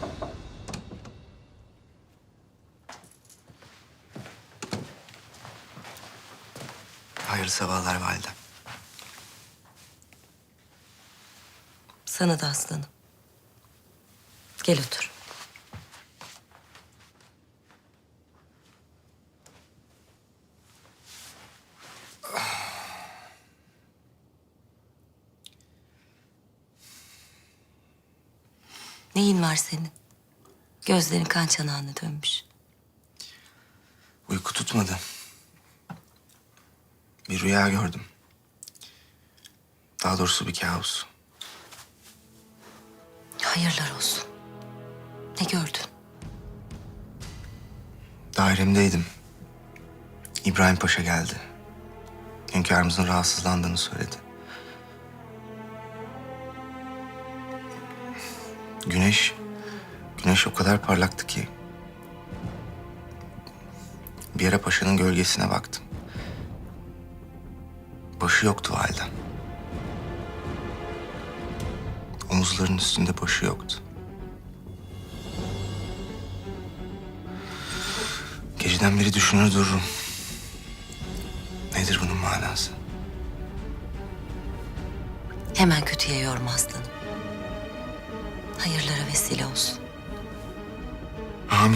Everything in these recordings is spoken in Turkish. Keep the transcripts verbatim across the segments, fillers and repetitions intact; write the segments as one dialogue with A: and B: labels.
A: Hayırlı sabahlar validem.
B: Sana da aslanım. Gel otur. Neyin var senin? Gözlerin kan çanağına dönmüş.
A: Uyku tutmadı. Bir rüya gördüm. Daha doğrusu bir kabus.
B: Hayırlar olsun. Ne gördün?
A: Dairemdeydim. İbrahim Paşa geldi. Hünkârımızın rahatsızlandığını söyledi. Güneş, güneş o kadar parlaktı ki. Bir ara paşanın gölgesine baktım. Başı yoktu validem. Omuzlarının üstünde başı yoktu. Geceden beri düşünür dururum. Nedir bunun manası?
B: Hemen kötüye yorma aslanım. Hayırlara vesile olsun.
A: Amin.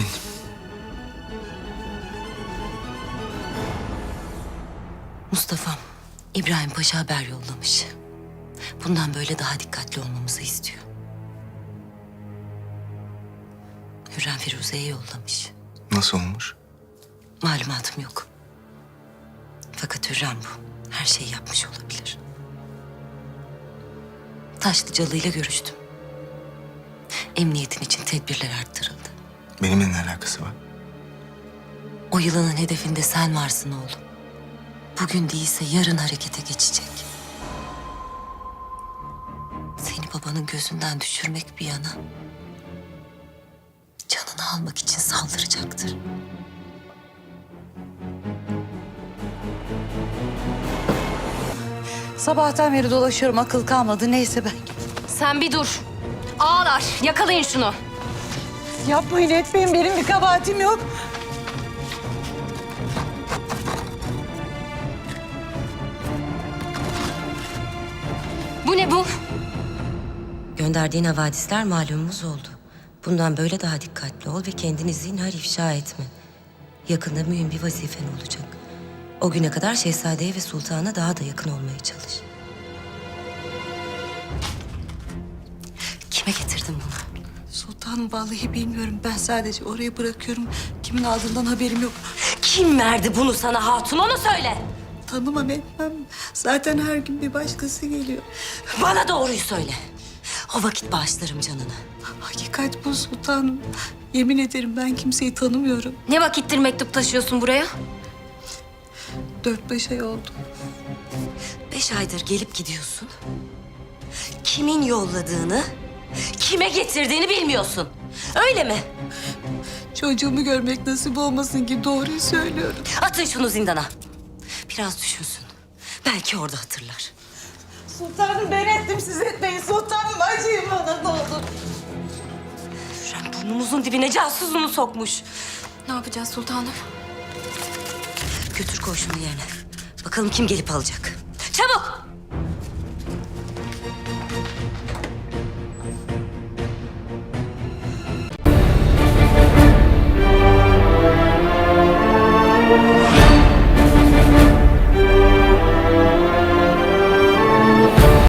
B: Mustafa'm, İbrahim Paşa haber yollamış. Bundan böyle daha dikkatli olmamızı istiyor. Hürrem Firuze'ye yollamış.
A: Nasıl olmuş?
B: Malumatım yok. Fakat Hürrem bu. Her şeyi yapmış olabilir. Taşlıcalı ile görüştüm. Emniyetin için tedbirler arttırıldı.
A: Benimle ne alakası var?
B: O yılanın hedefinde sen varsın oğlum. Bugün değilse yarın harekete geçecek. Seni babanın gözünden düşürmek bir yana... canını almak için saldıracaktır.
C: Sabahtan beri dolaşıyorum, akıl kalmadı. Neyse ben...
D: Sen bir dur. Ağlar. Yakalayın şunu.
C: Yapmayın, etmeyin. Benim bir kabahatim yok.
D: Bu ne bu?
B: Gönderdiğin havadisler malumumuz oldu. Bundan böyle daha dikkatli ol ve kendini zinhar ifşa etme. Yakında mühim bir vazifen olacak. O güne kadar şehzadeye ve sultana daha da yakın olmaya çalış. Kime getirdin bunu?
C: Sultanım, vallahi bilmiyorum. Ben sadece oraya bırakıyorum. Kimin aldığından haberim yok.
B: Kim verdi bunu sana hatun, onu söyle.
C: Tanımam etmem. Zaten her gün bir başkası geliyor.
B: Bana doğruyu söyle. O vakit bağışlarım canını.
C: Hakikat bu sultanım. Yemin ederim ben kimseyi tanımıyorum.
D: Ne vakittir mektup taşıyorsun buraya?
C: Dört beş ay oldu.
B: Beş aydır gelip gidiyorsun. Kimin yolladığını, kime getirdiğini bilmiyorsun. Öyle mi?
C: Çocuğumu görmek nasip olmasın ki doğruyu söylüyorum.
B: Atın şunu zindana. Biraz düşünsün. Belki orada hatırlar.
C: Sultanım, ben ettim, siz etmeyin. Sultanım, acıyın bana, ne olur.
B: Hürrem burnumuzun dibine casusunu sokmuş.
D: Ne yapacağız sultanım?
B: Götür koy şunu yerine. Bakalım kim gelip alacak. Çabuk!
E: Yeah.